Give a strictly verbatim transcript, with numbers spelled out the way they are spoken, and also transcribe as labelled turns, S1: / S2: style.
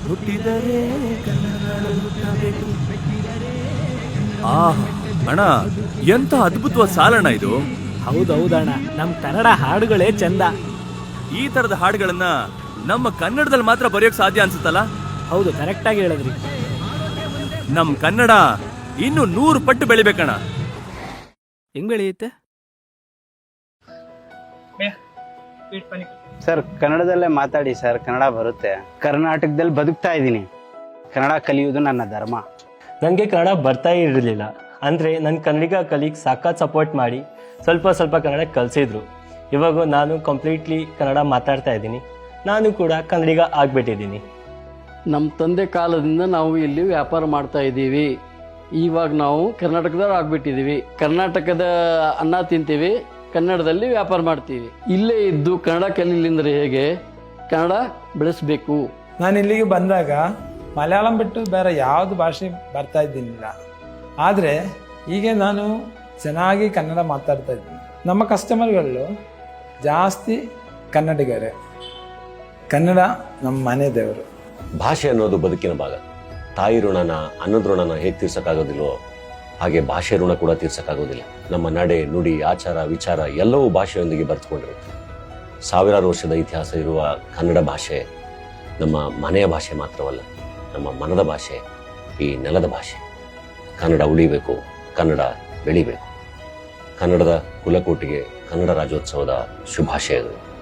S1: ಹುಟ್ಟಿದರೆ ಕನ್ನಡ ಹುಟ್ಟಬೇಕು. ಆಹ್ ಅಣ್ಣ, ಎಂತ ಅದ್ಭುತವಾದ ಸಾಲಣ್ಣ ಇದು.
S2: ಹೌದೌದಣ್ಣ, ನಮ್ ಕನ್ನಡ ಹಾಡುಗಳೇ ಚಂದ.
S1: ಈ ತರದ ಹಾಡುಗಳನ್ನ ನಮ್ಮ ಕನ್ನಡದಲ್ಲಿ ಮಾತ್ರ ಬರೆಯೋಕ್ ಸಾಧ್ಯ ಅನ್ಸುತ್ತಲ್ಲ?
S2: ಹೌದು, ಕರೆಕ್ಟ್ ಆಗಿ ಹೇಳಿದ್ರಿ.
S1: ನಮ್ ಕನ್ನಡ ಇನ್ನು ನೂರು ಪಟ್ಟು ಬೆಳಿಬೇಕಣ್ಣ.
S2: ಹೆಂಗ್ ಬೆಳೆಯುತ್ತೆ
S3: ಸರ್? ಕನ್ನಡದಲ್ಲೇ ಮಾತಾಡಿ ಸರ್, ಕನ್ನಡ ಬರುತ್ತೆ. ಕರ್ನಾಟಕದಲ್ಲಿ ಬದುಕ್ತಾ ಇದ್ದೀನಿ, ಕನ್ನಡ ಕಲಿಯುವುದು ನನ್ನ ಧರ್ಮ.
S4: ನನಗೆ ಕನ್ನಡ ಬರ್ತಾ ಇರಲಿಲ್ಲ, ಅಂದರೆ ನನ್ನ ಕನ್ನಡಿಗ ಕಲಿಗೆ ಸಾಕಾಗಿ ಸಪೋರ್ಟ್ ಮಾಡಿ ಸ್ವಲ್ಪ ಸ್ವಲ್ಪ ಕನ್ನಡ ಕಲಿಸಿದ್ರು. ಇವಾಗ ನಾನು ಕಂಪ್ಲೀಟ್ಲಿ ಕನ್ನಡ ಮಾತಾಡ್ತಾ ಇದ್ದೀನಿ, ನಾನು ಕೂಡ ಕನ್ನಡಿಗ ಆಗಿಬಿಟ್ಟಿದ್ದೀನಿ.
S5: ನಮ್ಮ ತಂದೆ ಕಾಲದಿಂದ ನಾವು ಇಲ್ಲಿ ವ್ಯಾಪಾರ ಮಾಡ್ತಾ ಇದ್ದೀವಿ. ಇವಾಗ ನಾವು ಕರ್ನಾಟಕದವ್ರು ಆಗ್ಬಿಟ್ಟಿದ್ದೀವಿ. ಕರ್ನಾಟಕದ ಅನ್ನ ತಿಂತೀವಿ, ಕನ್ನಡದಲ್ಲಿ ವ್ಯಾಪಾರ ಮಾಡ್ತೀವಿ. ಇಲ್ಲೇ ಇದ್ದು ಕನ್ನಡ ಕಲೀಲಿಂದ್ರೆ ಹೇಗೆ? ಕನ್ನಡ ಬೆಳೆಸಬೇಕು.
S6: ನಾನು ಇಲ್ಲಿಗೆ ಬಂದಾಗ ಮಲಯಾಳಂ ಬಿಟ್ಟು ಬೇರೆ ಯಾವುದು ಭಾಷೆ ಬರ್ತಾ ಇದ್ದಿಲ್ಲ. ಆದರೆ ಈಗ ನಾನು ಚೆನ್ನಾಗಿ ಕನ್ನಡ ಮಾತಾಡ್ತಾ ಇದ್ದೀನಿ. ನಮ್ಮ ಕಸ್ಟಮರ್ಗಳು ಜಾಸ್ತಿ ಕನ್ನಡಿಗರೇ. ಕನ್ನಡ ನಮ್ಮ ಮನೆ ದೇವರು.
S7: ಭಾಷೆ ಅನ್ನೋದು ಬದುಕಿನ ಭಾಗ. ತಾಯಿ ಋಣನ, ಅನ್ನದ ಋಣನ ಹೇಗೆ ತೀರ್ಸಕ್ಕಾಗೋದಿಲ್ವೋ ಹಾಗೆ ಭಾಷೆ ಋಣ ಕೂಡ ತೀರ್ಸಕ್ಕಾಗೋದಿಲ್ಲ. ನಮ್ಮ ನಡೆ, ನುಡಿ, ಆಚಾರ, ವಿಚಾರ ಎಲ್ಲವೂ ಭಾಷೆಯೊಂದಿಗೆ ಬರೆದುಕೊಂಡಿರುತ್ತೆ. ಸಾವಿರಾರು ವರ್ಷದ ಇತಿಹಾಸ ಇರುವ ಕನ್ನಡ ಭಾಷೆ ನಮ್ಮ ಮನೆಯ ಭಾಷೆ ಮಾತ್ರವಲ್ಲ, ನಮ್ಮ ಮನದ ಭಾಷೆ, ಈ ನೆಲದ ಭಾಷೆ. ಕನ್ನಡ ಉಳಿಬೇಕು, ಕನ್ನಡ ಬೆಳಿಬೇಕು. ಕನ್ನಡದ ಕುಲಕೋಟಿಗೆ ಕನ್ನಡ ರಾಜ್ಯೋತ್ಸವದ ಶುಭಾಶಯಗಳು.